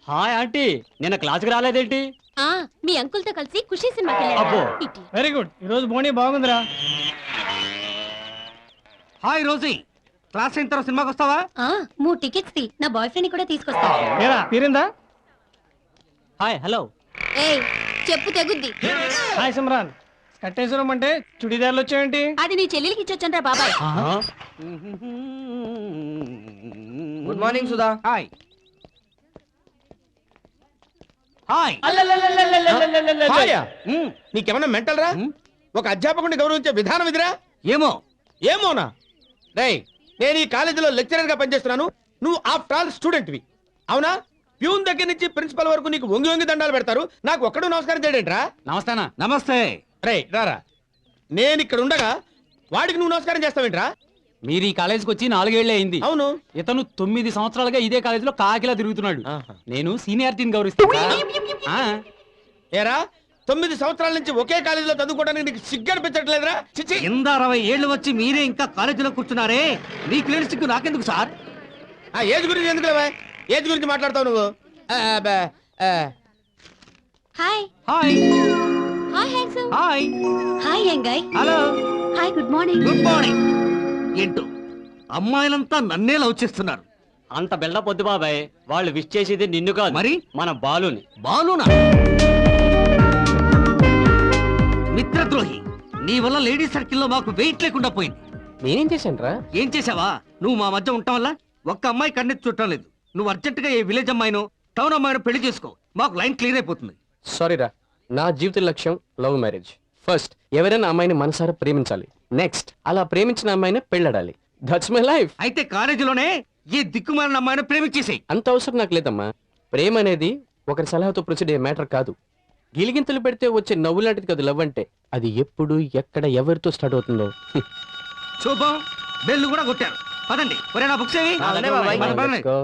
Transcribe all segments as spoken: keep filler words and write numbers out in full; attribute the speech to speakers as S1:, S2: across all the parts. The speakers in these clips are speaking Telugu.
S1: హాయ్ ఆంటీ, నిన్న క్లాస్కి రాలేదేంటి?
S2: ఆ మీ అంకుల్ తో కలిసి ఖుషి సినిమాకి
S1: అబ్బో.
S2: వెళ్ళారు.
S3: Very good. ఈ రోజు బోనీ బాగుందిరా.
S4: హాయ్ రోజీ, క్లాస్ అయిన తర్వాత సినిమాకి వస్తావా?
S2: ఆ మూడు టికెట్స్ తి నా బాయ్ ఫ్రెండ్ కూడా తీసుకొస్తా.
S3: ఏరా తీరిందా?
S1: Hi hello.
S2: ఏయ్ చెప్పు తెగుద్ది.
S3: హాయ్ సిమ్రాన్. కట్టేశ్వరం అంటే చుడిదార్లు వచ్చాయంటి?
S2: అది నీ చెల్లెలికి ఇచ్చొచ్చండ్రా బాబాయ్.
S4: Good morning Sudha. Hi hi.
S5: నీకేమన్నా మెంటల్ రా? ఒక అధ్యాపకుడిని గౌరవించే విధానం ఇదిరా?
S4: ఏమో
S5: ఏమోనా? రేయ్, నేను ఈ కాలేజీలో లెక్చరర్ గా పనిచేస్తున్నాను. నువ్వు ఆఫ్టర్ ఆల్ స్టూడెంట్వి, అవునా? ప్యూన్ దగ్గర నుంచి ప్రిన్సిపల్ వరకు నీకు వంగి వంగి దండాలు పెడతారు. నాకు ఒక్కడు నమస్కారం చేయడేంట్రా?
S4: నమస్తేనా? నమస్తే.
S5: రేయ్ రారా, నేను ఇక్కడ ఉండగా వాడికి నువ్వు నమస్కారం చేస్తావేంట్రా?
S1: మీరు ఈ కాలేజీకి వచ్చి నాలుగేళ్లే అయింది.
S5: అవును.
S1: ఇతను తొమ్మిది సంవత్సరాలుగా ఇదే కాలేజీలో కాకిలా తిరుగుతున్నాడు.
S5: ఆహా.
S1: నేను సీనియారిటీని గౌరవిస్తాను. ఆ,
S5: ఏరా, తొమ్మిది సంవత్సరాల నుంచి ఒకే కాలేజీలో చదువుకోవడానికి నీకు సిగ్గు అనిపించట్లేదురా? చిచి.
S4: కింద అరవై ఏళ్ళు వచ్చి మీరే ఇంకా కాలేజీలో కూర్చున్నారే, మీకు లేని సిగ్గు నాకెందుకు సార్?
S5: ఆ ఏజ్ గురించి ఎందుకు లేవా? ఏజ్ గురించి మాట్లాడతావు నువ్వు? ఆ, బా, ఆ.
S2: Hi
S4: hi
S2: hi handsome.
S4: Hi
S2: hi యంగాయ్.
S4: Hello
S2: hi good morning.
S4: Good morning. ఏంటో అమ్మాయిలంతా నన్నే లవ్ చేస్తున్నారు.
S1: అంత బిల్డప్ వద్దు బాబాయ్. వాళ్ళు విష్ చేసేది నిన్ను కాదు,
S4: మరి
S1: మన బాలుని.
S4: బాలునా? మిత్రద్రోహి, నీ వల్ల లేడీస్ సర్కిల్లో మాకు వెయిట్ లేకుండా పోయింది.
S1: నేనేం చేశాను రా?
S4: ఏం చేసావా? నువ్వు మా మధ్య ఉండటం వల్ల ఒక్క అమ్మాయి కన్నెత్తి చుట్టం లేదు. నువ్వు అర్జెంటుగా ఏ విలేజ్ అమ్మాయినో టౌన్ అమ్మాయినో పెళ్లి చేసుకో, మాకు లైన్ క్లియర్ అయిపోతుంది.
S6: సారీ రా, నా జీవిత లక్ష్యం లవ్ మ్యారేజ్. ఫస్ట్ ఎవరైనా అమ్మాయిని మనసారా ప్రేమించాలి, నెక్స్ట్ అలా ప్రేమించిన అమ్మాయిని పెళ్ళాడాలి. That's my life.
S4: అయితే కాలేజీలోనే ఏ దిక్కుమాలిన అమ్మాయిని ప్రేమించేసేయ్.
S6: అంత అవసరం నాకు లేదమ్మా. ప్రేమ అనేది ఒకరి సలహాతో ప్రొసీడ్ అయ్యే మ్యాటర్ కాదు. గిలిగింతలు పెడితే వచ్చే నవ్వు లాంటిది కాదు లవ్ అంటే. అది ఎప్పుడు ఎక్కడ ఎవరితో స్టార్ట్ అవుతుందో.
S4: శుభం, బెల్లు కూడా కొట్టారు. పదండి. ఒరే నా బుక్స్ ఏవి? పద, పదండి.
S6: Let's go.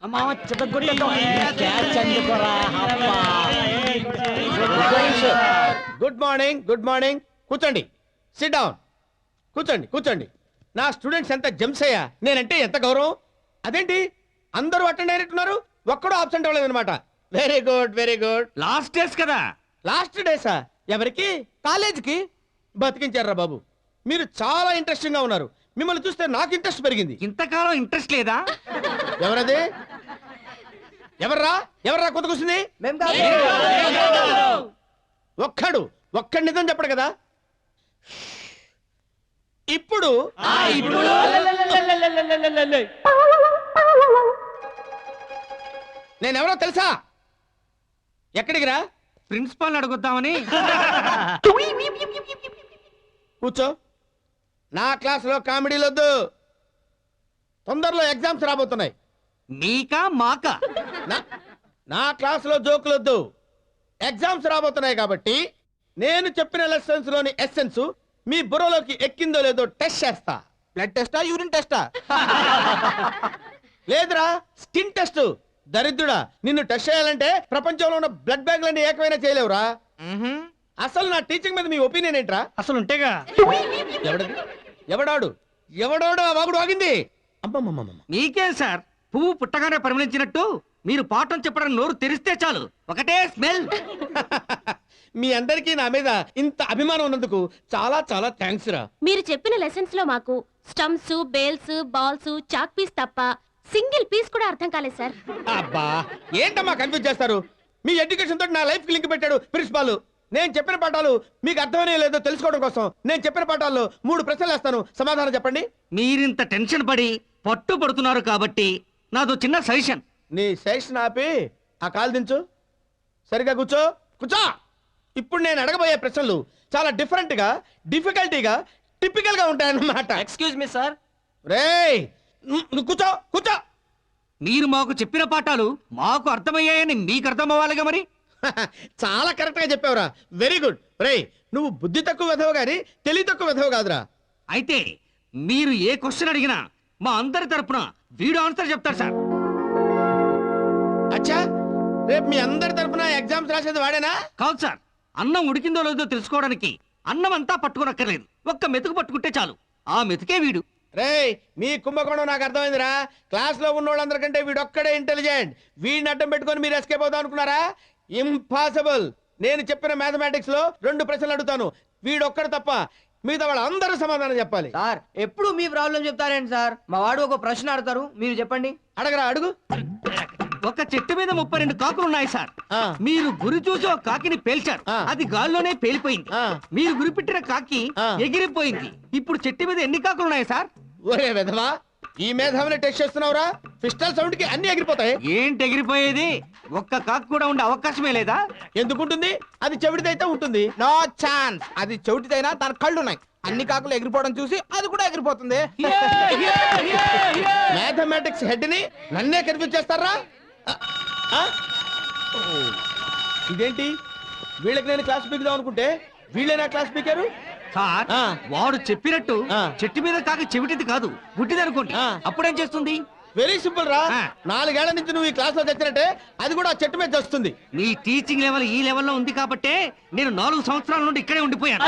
S5: Good morning, good morning. కూర్చోండి, సిట్ డౌన్. కూర్చోండి, కూర్చోండి. నా స్టూడెంట్స్ ఎంత జెమ్స్ అయ్యా, నేనంటే ఎంత గౌరవం. అదేంటి అందరూ అటెండ్ అయినట్టున్నారు, ఒక్కడూ ఆబ్సెంట్ అవ్వలేదు అనమాట. Very good, very good.
S4: Last days కదా.
S5: లాస్ట్ డేసా? ఎవరికి? కాలేజీకి. బతికించారా బాబు. మీరు చాలా ఇంట్రెస్టింగ్ గా ఉన్నారు. మిమ్మల్ని చూస్తే నాకు ఇంట్రెస్ట్ పెరిగింది.
S4: ఇంతకాలం ఇంట్రెస్ట్ లేదా?
S5: ఎవరది? ఎవర్రా ఎవర్రా కొత్త కూర్చుంది? ఒక్కడు ఒక్కడి నిజం చెప్పడు కదా. ఇప్పుడు నేనెవరో తెలుసా? ఎక్కడికి రా?
S4: ప్రిన్సిపాల్ అడుగుద్దామని.
S5: కూర్చో. నా క్లాసులో కామెడీలు వద్దు. తొందరలో ఎగ్జామ్స్ రాబోతున్నాయి.
S4: మీకా మాకా?
S5: నా- నా క్లాసులో జోకులు వద్దు. ఎగ్జామ్స్ రాబోతున్నాయి కాబట్టి నేను చెప్పిన లెసన్స్ లోని ఎస్సెన్స్ మీ బుర్రలోకి ఎక్కిందో లేదో టెస్ట్ చేస్తా. బ్లడ్ టెస్టా, యూరిన్ టెస్టా? లేదురా, స్కిన్ టెస్ట్. దరిద్రుడా, నిన్ను టెస్ట్ చేయాలంటే ప్రపంచంలో ఉన్న బ్లడ్ బ్యాంకులన్నీ ఏకమైనా చేయలేవురా. అసలు నా టీచింగ్ మీద మీ ఒపీనియన్ ఏంట్రా?
S3: అసలు ఉంటేగా.
S5: ఎవడది? ఎవడాడు? ఎవడోడు ఆ వాగుడు ఆగింది? అమ్మమ్మమ్మ.
S4: మీకేం సార్, పువ్వు పుట్టగానే పరిమళించినట్టు మీరు పాఠం చెప్పడానికి నోరు తెరిస్తే చాలు ఒకటే స్మెల్.
S5: మీ అందరికీ నా మీద ఇంత అభిమానం ఉన్నందుకు చాలా చాలా థ్యాంక్స్ రా.
S2: మీరు చెప్పిన లెసన్స్ లో మాకు stumps, bails, balls, chalk piece తప్ప సింగిల్ పీస్ కూడా అర్థం కాలేదు సార్.
S5: అబ్బా, ఏంటమ్మా కన్ఫ్యూజ్ చేస్తారు? మీ ఎడ్యుకేషన్ తోటి నా లైఫ్ కి లింక్ పెట్టాడు ప్రిన్సిపాల్. నేను చెప్పిన పాఠాలు మీకు అర్థమనే లేదో తెలుసుకోవడం కోసం నేను చెప్పిన పాఠాల్లో మూడు ప్రశ్నలు వేస్తాను, సమాధానం చెప్పండి.
S4: మీరింత టెన్షన్ పడి పట్టు పడుతున్నారు కాబట్టి నాదో చిన్న సజెషన్.
S5: నీ సజెషన్ ఆపి ఆ కాలు దించు. సరిగా కూర్చో, కూర్చో. ఇప్పుడు నేను అడగబోయే ప్రశ్నలు చాలా డిఫరెంట్ గా, డిఫికల్టీగా, టిపికల్ గా ఉంటాయన్నమాట.
S1: Excuse me sir.
S5: రేయ్, నువ్వు కూర్చో, కూర్చో.
S4: మీరు మాకు చెప్పిన పాఠాలు మాకు అర్థమయ్యాయని మీకు అర్థం అవ్వాలిగా మరి.
S5: చాలా కరెక్ట్ గా చెప్పావురా. Very good. రేయ్, నువ్వు బుద్ధి తక్కువ వెధవ గాని తెలివి తక్కువ వెధవ కాదురా.
S4: అయితే మీరు ఏ క్వశ్చన్ అడిగినా మా అందరి తరపున వీడు ఆన్సర్ చెప్తారు సార్.
S5: అచ్చా, రేపు మీ అందరి తరపున ఎగ్జామ్స్ రాసేది వాడేనా?
S4: కాదు సార్, అన్నం ఉడికిందో లేదో తెలుసుకోవడానికి అన్నం అంతా పట్టుకోనక్కర్లేదు, ఒక్క మెతుకు పట్టుకుంటే చాలు. ఆ మెతుకే వీడు.
S5: రేయ్ మీ కుంభకోణం నాకు అర్థమైందిరా. క్లాస్ లో ఉన్న వాళ్ళందరికంటే వీడొక్కడే ఇంటెలిజెంట్. వీడిని అడ్డం పెట్టుకొని మీరు ఎస్కేప్ అవుదాం అనుకున్నారా? ఇంపాసిబుల్. నేను చెప్పిన మ్యాథమెటిక్స్ లో రెండు ప్రశ్నలు అడుగుతాను, వీడొక్కడు తప్ప మిగతా వాళ్ళు అందరూ సమాధానం చెప్పాలి.
S7: సార్ ఎప్పుడు మీ ప్రాబ్లం చెప్తారేంటి సార్? మా వాడు ఒక ప్రశ్న అడతారు, మీరు చెప్పండి.
S5: అడగరా, అడుగు.
S4: ఒక చెట్టు మీద ముప్పై రెండు కాకులు ఉన్నాయి సార్.
S5: ఆ.
S4: మీరు గురి చూసి ఒక కాకిని పేల్చారు,
S5: ఆ.
S4: అది గాల్లోనే పేలిపోయింది.
S5: ఆ.
S4: మీరు గురి పెట్టిన కాకి
S5: ఆ.
S4: ఎగిరిపోయింది. ఇప్పుడు చెట్టు మీద ఎన్ని కాకులు ఉన్నాయి సార్?
S5: ఒరే విధవా, ఈ మేధావిని టెస్ట్ చేస్తున్నావురా? పిస్టల్ సౌండ్ కి అన్ని ఎగిరిపోతాయి.
S4: ఏంటి ఎగిరిపోయేది? ఒక్క కాకు కూడా ఉండే అవకాశమే లేదా?
S5: ఎందుకుంటుంది? అది చెవిటిదైతే ఉంటుంది.
S7: No chance. అది చెవిటిదైనా తన కళ్ళు ఉన్నాయి. అన్ని కాకులు ఎగిరిపోవడం చూసి అది కూడా ఎగిరిపోతుంది.
S5: మ్యాథమెటిక్స్ హెడ్ ని నన్నే కన్ఫ్యూజ్ చేస్తారా? ఆ? ఓ, ఇదేంటి? వీళ్ళకి నేను క్లాస్ పీకుదాం అనుకుంటే వీళ్ళే నా క్లాస్ పీకారు.
S4: సార్
S5: ఆ.
S4: వాడు చెప్పినట్టు
S5: ఆ.
S4: చెట్టు మీద కాకి చెవిటిది కాదు, గుడ్డిది అనుకోండి.
S5: ఆ.
S4: అప్పుడేం చేస్తుంది?
S5: వెరీ సింపుల్ రా.
S4: ఆ.
S5: నాలుగేళ్ల నుంచి నువ్వు ఈ క్లాస్ లో తెచ్చినట్టే అది కూడా ఆ చెట్టు మీద వస్తుంది.
S4: నీ టీచింగ్ లెవెల్ ఈ లెవెల్లో ఉంది కాబట్టే నేను నాలుగు సంవత్సరాల నుండి ఇక్కడే ఉండిపోయాను.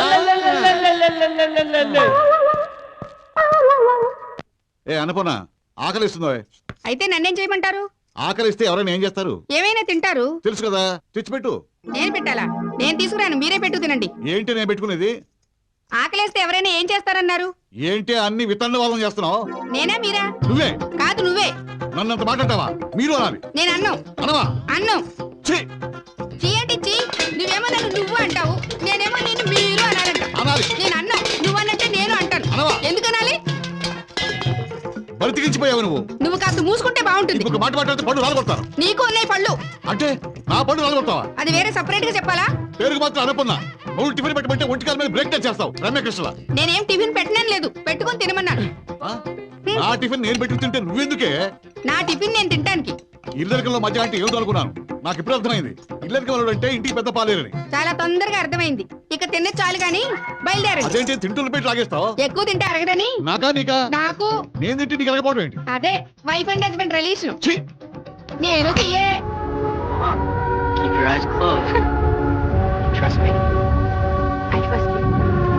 S8: ఏ అనుపన ఆకలిస్తుందో?
S9: అయితే నన్నేం చేయమంటారు?
S8: ఆకలిస్తే ఎవరైనా ఏం చేస్తారు
S9: ఏమైనా తింటారు.
S8: తెలుసు కదా, తెచ్చిపెట్టు.
S9: నేను పెట్టాలా? నేను తీసుకురాను, మీరే పెట్టు తినండి.
S8: ఏంటి నేను పెట్టుకునేది?
S9: ఆకలేస్తే ఎవరైనా ఏం చేస్తారన్నారు?
S8: ఏంటి అన్ని వితండ వాళ్ళం చేస్తున్నావు?
S9: నేనా మీరా?
S8: నువ్వే.
S9: కాదు నువ్వే.
S8: నన్నంత మాట్లాడతావా? మీరు అనాలి.
S9: నేను అన్నం
S8: అనవా?
S9: అన్నం
S8: ఛీ!
S9: చీ అంటే చీ. నువ్వేమో నన్ను నువ్వు అంటావు, నేనేమో నేను మీరు అనాలంట.
S8: అనాలి.
S9: నేను అన్నం, నువ్వు అన్నట్టే నేను అంటాను.
S8: అనవా?
S9: ఎందుకనాలి?
S8: బతికించిపోయావు నువ్వు.
S9: నువ్వు కాస్త మూసుకుంటే బాగుంటుంది.
S8: ఇంకొక మాట మాట్లాడితే పళ్ళు రాలగొడతారు.
S9: నీకు ఉన్నాయి పళ్ళు.
S8: అంటే నా పళ్ళు రాలగొడతావా?
S9: అది వేరే సపరేట్ గా చెప్పాలా?
S8: పేరుకు మాత్రం అనుకున్నా. నువ్వు టిఫిన్ పెట్టమంటే ఒంటికాల మీద బ్రేక్ టచ్ చేస్తావు. రమ్యకృష్ణ,
S9: నేనేం టిఫిన్ పెట్టడం లేదు, పెట్టుకొని తినమన్నాను.
S8: నా టిఫిన్ నేను పెట్టుకు తింటే నువ్వెందుకే?
S9: నా టిఫిన్ నేను తింటానికి.
S8: ఇల్లరికంలో మధ్య అంటే ఏమిటో అనుకున్నాను. నాకు ఇప్పుడు అర్థమైంది. ఇల్లరికి వాళ్ళు అంటే ఇంటికి పెద్ద పాలేరని.
S9: చాలా తొందరగా అర్థమైంది. ఇక తినే చాలు గాని బయలుదేరండి.
S8: అదేంటి తింటున్న పెట్టి లాగేస్తావు?
S9: ఎక్కువ తింటే అరగదని.
S8: నాకా నీకా?
S9: నాకు.
S8: నేను తింటే నీకు అరగపోవడం ఏంటి?
S9: అదే వైఫ్ అండ్ హస్బెండ్ రిలేషన్.
S8: ఛీ!
S9: నేను తీయే.
S1: Keep your eyes closed. Trust me.
S9: I trust you.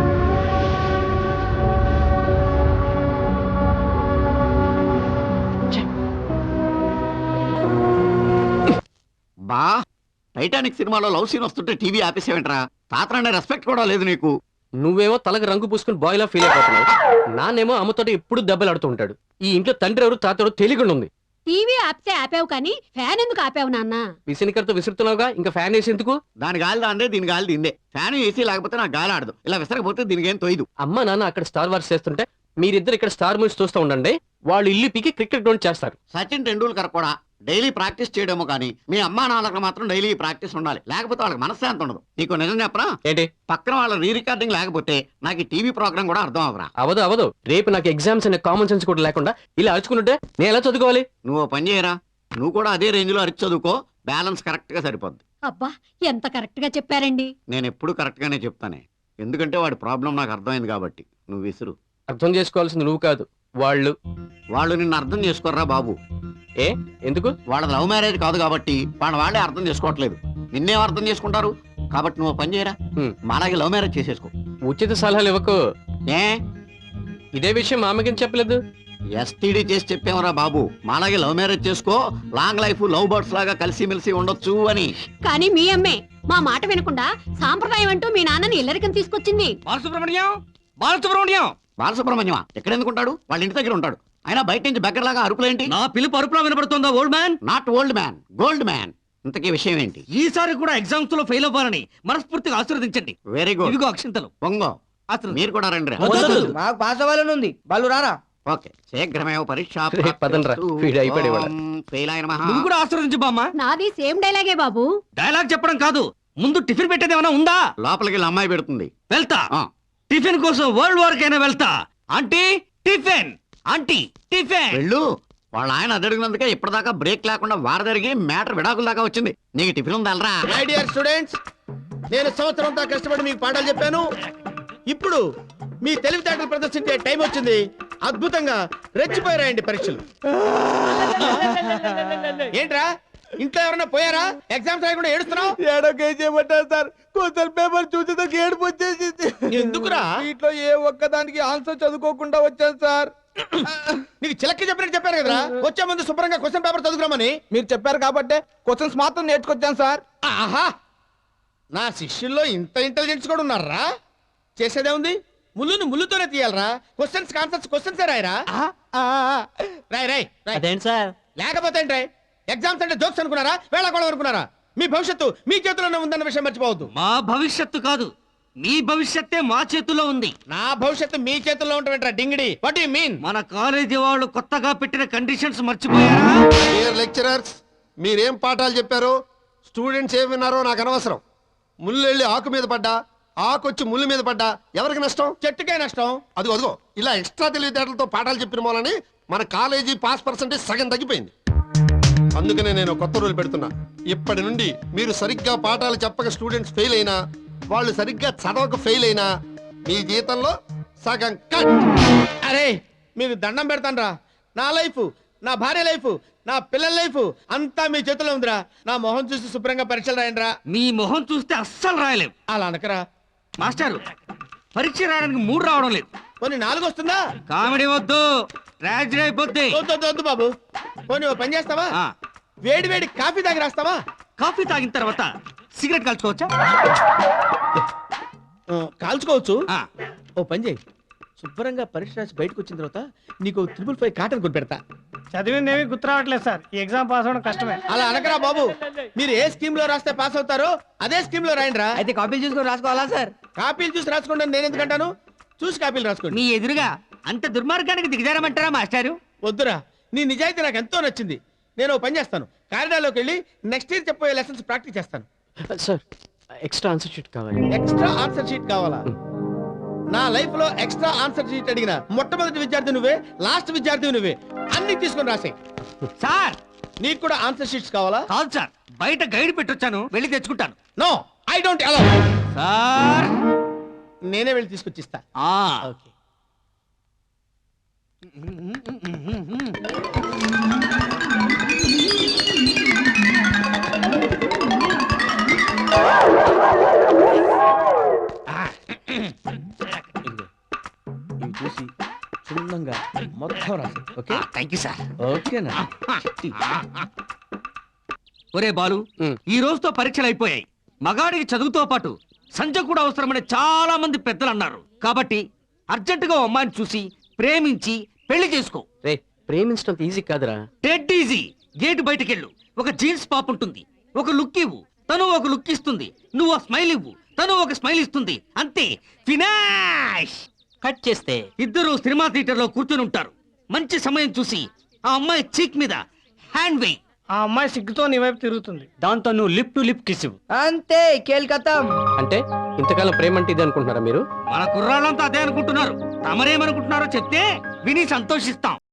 S10: బా టైటానిక్ సినిమాలో లవ్ సీన్ వస్తుంటే టీవీ ఆపేసేవేంట్రా? తాతరనే రెస్పెక్ట్ కూడా లేదు నీకు.
S6: నువ్వేమో తలకు రంగు పూసుకుని బాయ్లా ఫీల్ అయిపోతున్నావు. నానేమో అమ్మతోటి ఎప్పుడు దెబ్బలు ఆడుతూ ఉంటాడు. ఈ ఇంట్లో తండ్రి ఎవరు తాతడు తెలియకుండా ఉంది.
S2: టీవీ ఆపితే ఆపావు కానీ ఫ్యాన్ ఎందుకు ఆపావు నాన్న?
S6: విసినికరతో విసురుతున్నావుగా, ఇంకా ఫ్యాన్ వేసి ఎందుకు?
S10: దాని గాలి దాందే, దీని గాలి దిందే. ఫ్యాన్ ఏసీ లేకపోతే నాకు గాలి ఆడదు. ఇలా విసరకపోతే దీనికి ఏం తోయదు.
S6: అమ్మ నాన్న అక్కడ స్టార్ వార్స్ చేస్తుంటే మీరిద్దరు ఇక్కడ స్టార్ మూవీస్ చూస్తూ ఉండండి. వాళ్ళు ఇల్లు పీకి క్రికెట్ గ్రౌండ్ చేస్తారు.
S10: సచిన్ టెండూల్కర్ కూడా డైలీ ప్రాక్టీస్ చేయడమో కానీ మీ అమ్మా నాన్నలకు మాత్రం డైలీ ప్రాక్టీస్ ఉండాలి. లేకపోతే వాళ్ళకి మనశ్శాంతి ఉండదు. నీకు నిజం చెప్పరా?
S6: ఏంటి?
S10: పక్కన వాళ్ళ రీ రికార్డింగ్ లేకపోతే నాకు ఈ టీవీ ప్రోగ్రామ్ కూడా అర్థం అవరా.
S6: అవదు అవదు. రేపు నాకు ఎగ్జామ్స్ అనే కామన్ సెన్స్ కూడా లేకుండా ఇలా అరుచుకుంటుంటే నేను ఎలా చదువుకోవాలి?
S10: నువ్వు ఓ పని చేయరా, నువ్వు కూడా అదే రేంజ్ లో అరిచి చదువుకో. బ్యాలెన్స్ కరెక్ట్ గా సరిపోద్ది.
S2: అబ్బా ఎంత కరెక్ట్ గా చెప్పారండి.
S10: నేను ఎప్పుడు కరెక్ట్ గానే చెప్తానే, ఎందుకంటే వాడి ప్రాబ్లం నాకు అర్థమైంది కాబట్టి. నువ్వు విసురు.
S6: అర్థం చేసుకోవాల్సింది నువ్వు కాదు, వాళ్ళు.
S10: వాళ్ళు నిన్ను అర్థం చేసుకోర్రా బాబు.
S6: ఏ ఎందుకు?
S10: వాళ్ళ లవ్ మ్యారేజ్ కాదు కాబట్టి వాళ్ళ వాళ్ళే అర్థం చేసుకోవట్లేదు. నిన్నేం అర్థం చేసుకుంటారు? కాబట్టి నువ్వు పని చేయరా,
S6: హ్మ్.
S10: మాలాగే లవ్ మ్యారేజ్ చేసేసుకో.
S6: ఉచిత సలహాలు ఇవ్వకు.
S10: ఏ
S6: ఇదే విషయం మా అమ్మకి చెప్పలేదు.
S10: ఎస్టీడీ చేసి చెప్పావురా బాబు, మాలాగే లవ్ మ్యారేజ్ చేసుకో, లాంగ్ లైఫ్ లవ్ బర్డ్స్ లాగా కలిసిమెలిసి ఉండొచ్చు అని.
S2: కానీ మీ అమ్మే మా మాట వినకుండా సాంప్రదాయం అంటూ మీ నాన్నని ఇల్లరికం తీసుకొచ్చింది.
S4: బాలసుబ్రహ్మణ్యం, బాలసుబ్రహ్మణ్యం.
S10: బాలసుబ్రహ్మణ్యం ఎక్కడెందుకుంటాడు? వాళ్ళ ఇంటి దగ్గర ఉంటాడు. అయినా బయట నుంచి బెగ్గరలాగా అరుపులేంటి?
S4: నా పిలుపు అరుపులా వినపడుతోందా old man?
S10: Not old man, gold man. ఇంతకీ విషయం ఏంటి?
S4: ఈసారి కూడా ఎగ్జామ్స్ లో ఫెయిల్ అవ్వాలని మనస్ఫూర్తిగా ఆశీర్వదించండి.
S10: Very good.
S4: ఇదిగో అక్షింతలు.
S10: పొంగో, మీరు కూడా రండి రా.
S4: వద్దు.
S7: మాకు పాస్ అవ్వాలని ఉంది, వాళ్ళు రారా?
S10: ఓకే, శీఘ్రమేవ పరీక్ష.
S6: రే, పదండ్రా. వీడు అయిపోయాడు.
S10: ఫెయిల్ అయిన మహా.
S4: నువ్వు కూడా ఆశీర్వదించు బామ్మ.
S2: నాది సేమ్ డైలాగే బాబు.
S4: డైలాగ్ చెప్పడం కాదు, ముందు టిఫిన్ పెట్టేది ఏమైనా ఉందా?
S10: లోపలికి వెళ్ళి అమ్మాయి పెడుతుంది.
S4: వెళ్తా.
S10: ఆ.
S4: టిఫిన్ కోసం వరల్డ్ వార్ కైనా వెళ్తా. Aunty tiffin, aunty tiffin.
S10: వెళ్ళు. వాళ్ళ ఆయన అడిగినందుకే ఇప్పటిదాకా బ్రేక్ లేకుండా వార జరిగి మ్యాటర్ విడాకుల దాకా వచ్చింది. నీకు టిఫిన్ ఉందలరా?
S5: మై డియర్ స్టూడెంట్స్, నేను సంవత్సరం అంతా కష్టపడి మీకు పాఠాలు చెప్పాను. ఇప్పుడు మీ తెలివితేటలు ప్రదర్శించే టైం వచ్చింది. అద్భుతంగా రెచ్చిపోయారాయండి పరీక్షలు. ఏంట్రా ఇంట్లో ఎవరైనా పోయారా? ఎగ్జామ్స్ రాయకుండా ఏడుస్తున్నావు?
S7: ఏడోకేం చేయమంటారు సార్, కొంచెం పేపర్ చూసేదాకా ఏడుపు వచ్చేసింది.
S5: ఎందుకురా?
S7: వీటిలో ఏ ఒక్కదానికి ఆన్సర్ చదువుకోకుండా వచ్చాను సార్.
S5: నీకు చిలక్కి చెప్పినట్టు చెప్పారు కదరా వచ్చే ముందు శుభ్రంగా క్వశ్చన్ పేపర్ చదువుకురామని.
S7: మీరు చెప్పారు కాబట్టి క్వశ్చన్స్ మాత్రం నేర్చుకొచ్చాను సార్.
S5: ఆహా నా శిష్యుల్లో ఇంత ఇంటెలిజెన్స్ కూడా ఉన్నారా? చేసేదే ఉంది, ముళ్ళును ముళ్ళుతోనే తీయాలరా. క్వశ్చన్స్ ఆన్సర్స్ క్వశ్చన్స్ రాయరా.
S7: ఆ, ఆ, ఆ.
S5: రాయ్ రాయ్ రాయ్.
S1: అదేంటి సార్?
S5: లేకపోతే ఏంటి రాయ్? ఎగ్జామ్స్ అంటే జోక్స్ అనుకున్నారా, వేళకోళం అనుకున్నారా? మీ భవిష్యత్తు మీ చేతుల్లోనే ఉందన్న విషయం మర్చిపోవద్దు.
S4: మా భవిష్యత్తు కాదు, మీ భవిష్యత్తే మా చేతుల్లో ఉంది.
S5: నా భవిష్యత్తు మీ చేతుల్లో ఉంటావేంట్రా డింగిడి? What you mean?
S4: మన కాలేజీ వాళ్ళు కొత్తగా పెట్టిన కండిషన్స్ మర్చిపోయారా?
S11: డియర్ లెక్చరర్స్, మీరేం పాఠాలు చెప్పారో స్టూడెంట్స్ ఏం విన్నారో నాకు అనవసరం. ముళ్ళు వెళ్ళి ఆకు మీద పడ్డా, ఆకు వచ్చి ముళ్ళు మీద పడ్డా ఎవరికి నష్టం?
S5: చెట్టుకే నష్టం.
S11: అదిగో అదిగో ఇలా ఎక్స్ట్రా తెలివితేటలతో పాఠాలు చెప్పిన మూలని మన కాలేజీ పాస్ పర్సంటేజ్ సగం తగ్గిపోయింది. అందుకనే నేను కొత్త రూల్ పెడుతున్నా. ఇప్పటి నుండి మీరు సరిగ్గా పాఠాలు చెప్పక స్టూడెంట్స్ ఫెయిల్ అయినా, వాళ్ళు సరిగ్గా చదవక ఫెయిల్ అయినా మీ జీతంలో సగం కట్.
S5: అరే మీకు దండం పెడతాను రా. నా లైఫ్, నా భార్య లైఫ్, నా పిల్లల లైఫ్ అంతా మీ చేతిలో ఉందిరా. నా మొహం చూసి శుభ్రంగా పరీక్షలు రాయండి రా.
S4: మీ మొహం చూస్తే అస్సలు రాయలేం.
S5: అలా అనకరా.
S4: మాస్టారు, పరీక్ష రాయడానికి మూడు రావడం లేదు.
S5: కొన్ని నాలుగు వస్తుందా?
S4: కామెడీ వద్దు, ట్రాజడీ అయిపోద్ది.
S5: వద్దు వద్దు, వద్దు బాబు. పోనీ ఓ పని చేస్తావా?
S4: ఆ,
S5: వేడి వేడి కాఫీ తాగి రాస్తావా?
S4: కాఫీ తాగిన తర్వాత సిగరెట్ కాల్చుకోవచ్చా?
S5: ఆ, కాల్చుకోవచ్చు.
S4: ఆ,
S5: ఓ పని చేయి, శుభ్రంగా పరీక్ష రాసి బయటకు వచ్చిన తర్వాత నీకు త్రిపుల్ ఫైవ్ కాటన్ కొని పెడతా.
S3: చదివింది ఏమీ గుర్తు రావట్లేదు సార్. ఈ ఎగ్జామ్ పాస్ అవ్వడం కష్టమే.
S5: అలా అనకరా బాబు. మీరు ఏ స్కీమ్ లో రాస్తే పాస్ అవుతారో అదే స్కీమ్ లో రాయండి రా.
S7: అయితే కాపీలు చూసుకొని రాసుకోవాలా సార్?
S5: కాపీలు చూసి రాసుకోండి అని నేను ఎందుకంటాను? చూసి కాపీలు రాసుకోండి.
S4: మీ ఎదురుగా అంత దుర్మార్గానికి దిగజారమంటారా మాస్టారు?
S5: వద్దురా, నీ నిజాయితీ నాకు ఎంతో నచ్చింది. నేను ఓ పని చేస్తాను, కారిడార్లోకి వెళ్ళి నెక్స్ట్ ఇయర్ చెప్పబోయే లెసన్స్ ప్రాక్టీస్ చేస్తాను.
S6: సార్ ఎక్స్ట్రా ఆన్సర్ షీట్ కావాలి.
S5: ఎక్స్ట్రా ఆన్సర్ షీట్ కావాలా? నా లైఫ్ లో ఎక్స్ట్రా ఆన్సర్ షీట్ అడిగిన మొట్టమొదటి విద్యార్థి నువ్వే, లాస్ట్ విద్యార్థి నువ్వే. అన్ని తీసుకొని రాసే.
S4: సార్
S5: నీకు కూడా ఆన్సర్ షీట్స్ కావాలా?
S4: కాదు సార్, బయట గైడ్ పెట్టొచ్చాను, వెళ్ళి తెచ్చుకుంటాను.
S5: No, I don't allow.
S4: Sir
S5: నేనే వెళ్ళి తీసుకొచ్చిస్తా.
S4: ఆ,
S5: ఓకే. ఇవి చూసి క్షుణ్ణంగా మొత్తం రాసి. Okay
S4: thank you sir.
S5: ఓకేనా?
S4: ఒరే బాలు,
S6: ఉమ్.
S4: ఈ రోజుతో పరీక్షలు అయిపోయాయి. మగాడికి చదువుతో పాటు సంజ కూడా అవసరమని చాలా మంది పెద్దలు అన్నారు. కాబట్టి అర్జెంటుగా ఓ అమ్మాయిని చూసి ప్రేమించి పెళ్లి చేసుకో.
S6: రే ప్రేమించడం ఈజీ కాదురా.
S4: Dead easy. గేట్ బయటకెళ్ళు, ఒక జీన్స్ పాప్ ఉంటుంది, ఒక లుక్ ఇవ్వు, తను ఒక లుక్ ఇస్తుంది, నువ్వు ఒక స్మైల్ ఇవ్వు, తను ఒక స్మైల్ ఇస్తుంది, అంతే, ఫినాష్.
S1: కట్ చేస్తే
S4: ఇద్దరు సినిమా థియేటర్ లో కూర్చొని ఉంటారు. మంచి సమయం చూసి ఆ అమ్మాయి చీక్ మీద హ్యాండ్ వేయి.
S3: ఆ అమ్మాయి సిగ్గుతో నీ వైపు తిరుగుతుంది.
S1: దాంతో నువ్వు లిప్ టు లిప్ కిస్ ఇవ్వు.
S7: అంతే, కేల్కతం.
S6: అంటే ఇంతకాలం ప్రేమ అంటే ఇది అనుకుంటున్నారా మీరు?
S4: మన కుర్రాళ్ళంతా అదే అనుకుంటున్నారు. తమరేమనుకుంటున్నారో చెప్తే విని సంతోషిస్తాం.